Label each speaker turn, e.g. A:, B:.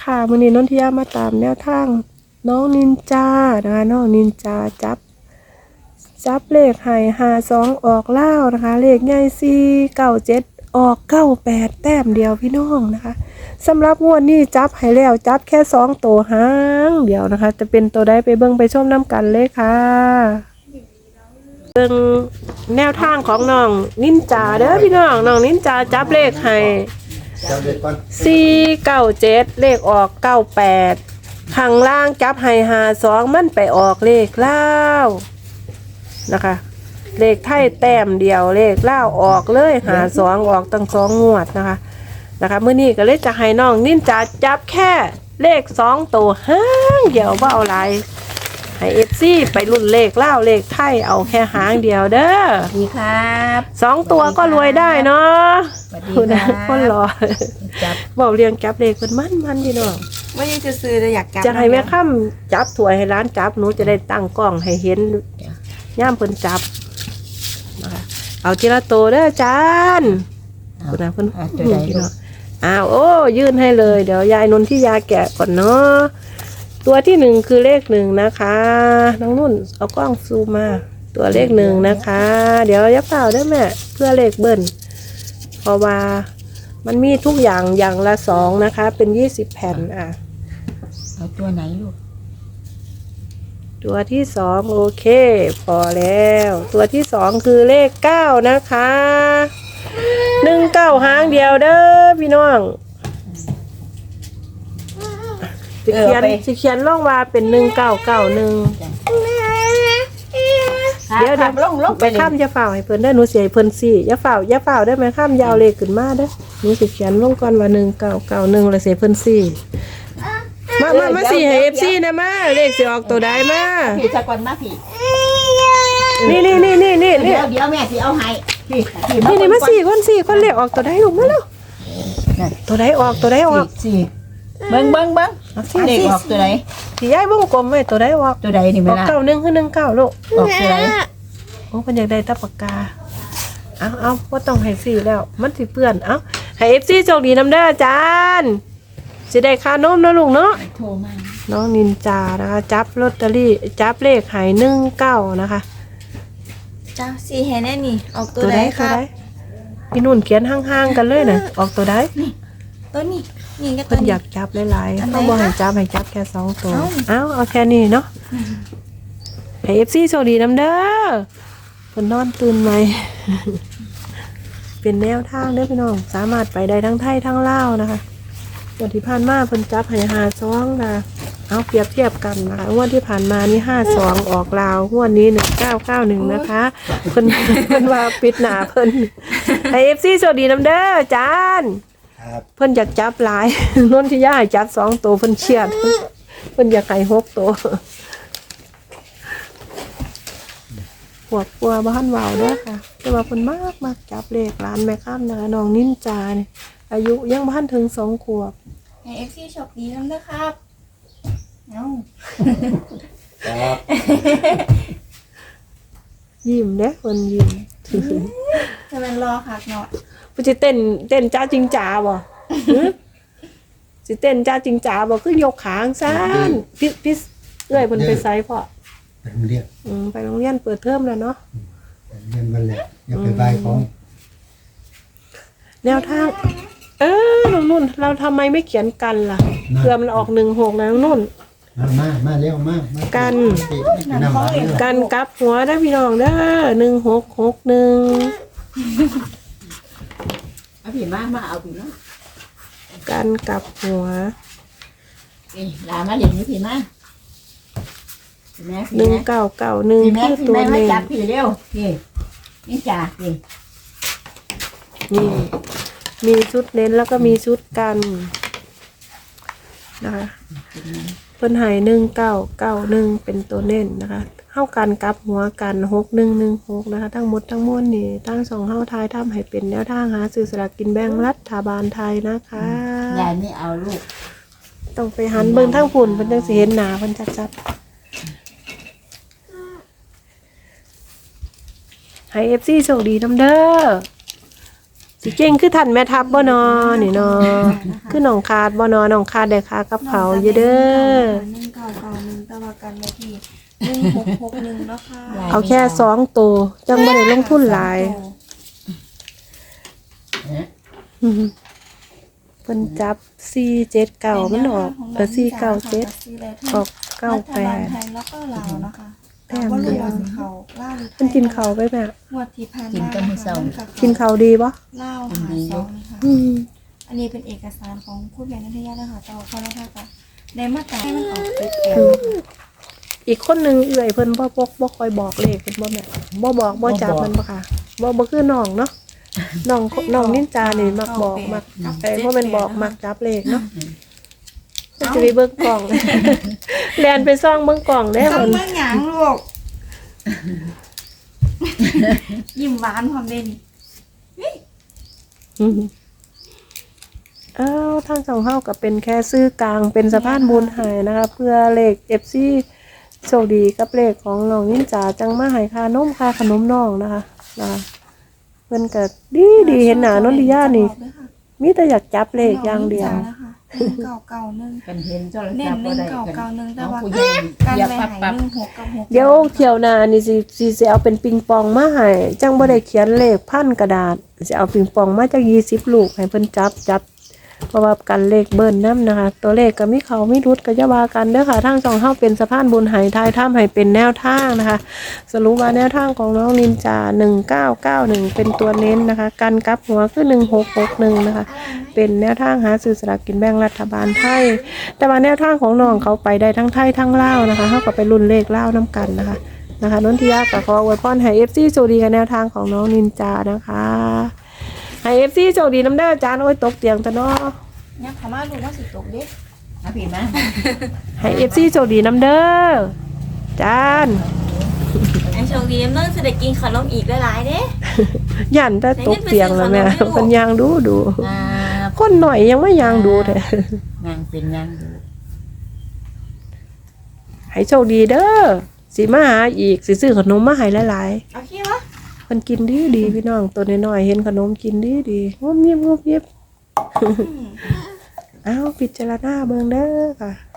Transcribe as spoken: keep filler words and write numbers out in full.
A: ค่ะมื้อนี้นนทิยามาตามแนวทางน้องนินจานะคะน้องนินจาจับจับเลขให้ห้าสองออกเล่านะคะเลขใหญ่สี่เก้าเจ็ดออกเก้าแปดแต้มเดียวพี่น้องนะคะสำหรับงวดนี้จับให้แล้วจับแค่สองตัวหางเดียวนะคะจะเป็นตัวใดไปเบิ่งไปชมน้ำกันเลยค่ะเบิ่งแนวทางของน้องนินจาเด้อพี่น้องน้องนินจาจับเลขให้สี่เก้าเจ็ดเลขออกเก้าแปดข้างล่างจับให้หาสองมันไปออกเลขเล่านะคะเลขไทยแต้มเดียวเลขเล่าออกเลยหาสองออกตั้งสองงวดนะคะนะคะเมื่อนี้ก็เลยจะให้น้องนินจาจับแค่เลขสองตัวห้างเดียวว่าเอาไรให้เอฟซีไปรุ่นเลขเล่าเลขไทยเอาแค่หางเดียวเด้อ
B: ดีครับ
A: สองตัวก็รวยได้เนาะ
B: สวัสดีครับ
A: คนรอจับบอกเรียงจับเลขเป็นมันมันพี่น้อง
B: ว่ายังจะซื้อจะอยากจับ
A: จะให้แม่ค่ำจับถวยให้ร้านจับหนูจะได้ตั้งกล้องให้เห็นย่ามเพิ่นจับนะคะเอาทีละตัวเด้อจานคุณนะเพิ่นพี่น้องอ้าวโอ้ยื่นให้เลยเดี๋ยวยายนนที่ยาแกะก่อนเนาะตัวที่หนึ่งคือเลขหนึ่งนะคะน้องนุ่นเอากล้องซูมมาตัวเลขหนึ่งนะคะเดี๋ยวยับเปล่าได้แม่เพื่อเลขเบิ้ลเพราะว่ามันมีทุกอย่างอย่างละสองนะคะเป็นยี่สิบแผ่นอ่ะ
B: เอาตัวไหนลูก
A: ตัวที่สองโอเคพอแล้วตัวที่สองคือเลขเก้านะคะหนึ่งเก้าหางเดียวเด้อพี่น้องสิเขียนสิเขียนล่องว่าเป็นหนึ่งเก้าเก้าหนึ่งเดี๋ยวเดี๋ยวล่องล่องไปข้ามยาเฝ้าให้เพิ่นได้หนูเสียเพิ่นสี่ยาเฝ้ายาเฝ้าได้ไหมข้ามยาวเลขขึ้นมาเด้อหนูสิเขียนล่องก่อนว่าหนึ่งเก้าเก้าหนึ่งเลยเสียเพิ่นสี่มามามาสี่ให้เอฟซีนะมาเลขสิออกตัวใดมา
B: พี่จะก่อนมาพี่
A: นี่นี่นี่นี่นี่
B: เดี๋ยวเดี๋ยวแม่สิเอาให้พี่
A: นี่นี่มาสี่คนสี่คนเลขออกตัวใดลูกมาแล้วตัวใดออกตัวใดออก
B: สี่เบิ้งเบิ้งเบิ้งเลขออกตัวไหน
A: ที่ย้ายวงกลมไว้ตัวใดออก
B: ตัวใดนี่
A: ไม่ล่ะออกเก้าหนึ่งคือหนึ่งเก้าลูก
B: ออกตัวไหน
A: โอ้เพิ่นอยากได้ตะปากกาเอาเอาบ่ต้องให้สี่แล้วมันสิเปื้อนเอาให้ เอฟ ซี โชคดีนำเด้ออาจารย์สิได้ค่านมเนาะลูกเนาะ
B: โทรมา
A: น้องนินจานะคะจับลอตเตอรี่จับเลขให้หนึ่งเก้านะคะ
B: จ้าสี่เห็นแน่นี่ออกตัวใดครับ
A: พี่นุ่นเขียนห่างๆกันเลยนะออกตัวใด
B: ตัวนี้นี่ก็ตัวนี้
A: เพิ่นอยากจับหลายๆเขาบอกให้จับให้จับแค่สองตัวเอาเอาแค่นี้เนาะให้ เอฟ ซี โชคดีนำเด้อเพิ่นนอนตื่นไหมเป็นแนวทางเด้อพี่น้องสามารถไปได้ทั้งไทยทั้งลาวนะคะวันที่ผ่านมาเพิ่นจับให้ห้าสองนะเอาเปรียบเทียบกันนะคะงวดที่ผ่านมานี่ห้าสองออกลาวงวดนี้หนึ่งเก้าเก้าหนึ่งนะคะเพิ่นเพิ่นว่าปิดหนาเพิ่นให้ เอฟ ซี โชคดีนำเด้ออาจารย์เพิ่นอยากจับหลายนนทิยาให้จับสองตัวเพิ่นเชียดเพิ่นอยากให้หกตัวปวดปัวบ้านวาวเด้อค่ะแต่ว่าเพิ่นมากมากจับเลขร้านแม่ข้ามนะคะน้องนินจาเนี่ยอายุยังบ้านถึงสองขวบ
B: ให้เอฟซีโชคดีนำเด้อครับเอา
A: ยิ้มเด้อคนยิ้ม
B: ทำไมรอคักเนาะ
A: พี่จะเต้นเต้นจ้าจริงจ๋าบ่สิเต้นจ้าจริงจ๋าบ่คือยกขางซ่านพี่พี่เอ้ยเพิ่นไปไสพ่อ
C: ไปโรงเรียน
A: อืมไปโรงเรียนเปิดเทอมแล้วเนาะ
C: เรียนวันแรกอย่าไปบายของ
A: แนวทางเออน้องนุ่นเราทำไมไม่เขียนกันล่ะเพื่อมันออกหนึ่งหกนะน้องนุ่น
C: มามามาเร็วมา
A: กันกันกลับหัวได้พี่น้องเด้อหนึ่งหกหกหนึ่ง
B: เอาผีมามาเอาผีมา
A: กันกลับหัว
B: นี่ลามาเดี๋ยวนี้ผีมา
A: หนึ่งเก้าเก้าหนึ่งคือตัวเอง
B: จับผีเร็วนี่นี่จ่านี่
A: นี่มีชุดเน้นแล้วก็มีชุดกันนะคะเพิ่นให้หนึ่งเก้าเก้าหนึ่งเป็นตัวเน้นนะคะเข้ากันกับหัวกันหกหนึ่งหนึ่งหกนะคะทั้งหมดทั้งมวลนี่ตั้งสองเข้าท้ายทำให้เป็นแนวทางหาซื้อสลากกินแบ่งรัฐบาลไทยนะคะ
B: ยายไม่เอาลูก
A: ต้องไปหันเบิ่งทั้งฝุ่นเพิ่นจังสิเห็นหน้าเพิ่นชัดๆให้ เอฟ ซี โชคดีนำเด้อสิสิเก่งคือท่านแม่ทัพบ่นอนี่เนาะคือน้องคาดบ่นอน้องคาดได้ค่ากับเขาวอยู่เด้อ
B: หนึ่งเก้าเก้าหนึ่งตะวันกันไว้ที่หนึ่งหกหกหนึ่งเนาะค่ะ
A: เอาแค่สองตัวจังบ่ได้ลงทุนหลายอืมเพิ่นจับสี่เจ็ดเก้ามันออกเออสี่เก้าเจ็ดออกเก้าแปด
B: รัฐบาลไทยแล้วก็ลาวนะคะแต่ว่ารู้ว่าเขาลาวหรือไทย
A: เพิ่นกินข้าวไปแม่
B: งวดที่ผ่าน
D: กิน
B: มา
D: แต่มื้อเช้า
A: กินข้าวดีบ่
B: ลาวหาสองนะคะ
A: อืม
B: อันนี้เป็นเอกสารของผู้แทนนัทยานะคะต่อเขาแล้วค่ะในมาตราให้มันออกติดแอล
A: อีกคนหนึงเอื้อยเพิ่นบ่บ่บ่ค่อยบอกเลขเพิ่นบ่แม่บ่บอกบ่จับมันบ่ค่ะบ่บ่คือน้องเนาะน้องน้องนินจานี่มักบอกมักแต่บ่แม่นบอกมักจับเลขเนาะเพิ่นจะไปเบิ่งกล่อง แล่นไปซ่องเบิ่งกล่องเด้
B: ต้อ
A: เพิ่
B: ง
A: น
B: เมื่อหยางลูก ยิ้มหวานความเด่น
A: อืมอ้าวทางสองเฮาก็เป็นแค่ซื้อกลางเป็นสะพานบุญให้นะคะเพื่อเลข เอฟ ซี โชคดีกับเลขของน้องนินจาจังมาให้ค่านมค่าขนมน้องนะคะนะคะเพิ่นก็ดีดีเห็นหน้านนทิยานี่มีแต่อยากจับเลขอย่างเดียว
B: หนึ่งเก้าเก้าหนึ่ง
D: กันเห็นโทร
B: เน้
D: ศั
B: น
D: พท์
B: ห
D: บ่
B: นึ่ง
D: ได้
B: เก้า
D: กัน
B: เก้าหนึ่งแต่
D: น้อง
B: ว่า
D: ผู้ใหญ่
B: การ
D: เหยียบ
B: ไป
D: ปั๊บ
B: หาย
D: ปั๊บ
B: หนึ่งหกกับหก
A: เดี๋ยวเที่ยวหน้านี่สิสิสิเอาเป็นปิงปองมาให้จังบ่ได้เขียนเลขพันกระดาษสิเอาปิงปองมาจากยี่สิบลูกให้เพิ่นจับจับเพราะว่ากันเลขเบิ้ลนำนะคะ ตัวเลขก็มีเขามีรุดก็จะว่ากันเด้อค่ะทางสองเฮาเป็นสะพานบุญไหทายถ้ำให้เป็นแนวทางนะคะ สรุปว่าแนวทางของน้องนินจาหนึ่งเก้าเก้าหนึ่งเป็นตัวเน้นนะคะ กันกลับหัวคือหนึ่งหกหกหนึ่งนะคะ เป็นแนวทางหาซื้อสลากกินแบ่งรัฐบาลไทย แต่ว่าแนวทางของน้องเขาไปได้ทั้งไทยทั้งลาวนะคะเขาก็ไปรุ่นเลขลาวน้ำกันนะคะนะคะนนทิยากับขออวยพรให้เอฟซีโชคดีกับแนวทางของน้องนินจานะคะให้เอฟซีโชคดีน้ำเด้อจานโอ้ยตกเตียงตะเนาะ
B: เนี่ยเขามาดูว่าสิตกเด็ก
D: เอาพี่มา
A: ให้เอฟซีโชคดีน้ำเด้อจาน
B: ไอ้โชคดีเมื่อจะได้กินขนมอีกหลายๆเด้
A: ยันแต่ตกเตียงแล้วแม่เป็นยางดูดู
D: อ่า
A: คนหน่อยยังไม่ยางดูแต่
D: นางเป็นนางดู
A: ให้โชคดีเด้อสิมาหาอีกสิซื้อขนมมาให้หลายๆ
B: โอเควะ
A: มันกินดีดีพี่น้องตัวน้อยๆเห็นขนมกินดีดีงบเงียบงบเงียบ อ้าวพิจารณาเบิ่งเด้อค่ะ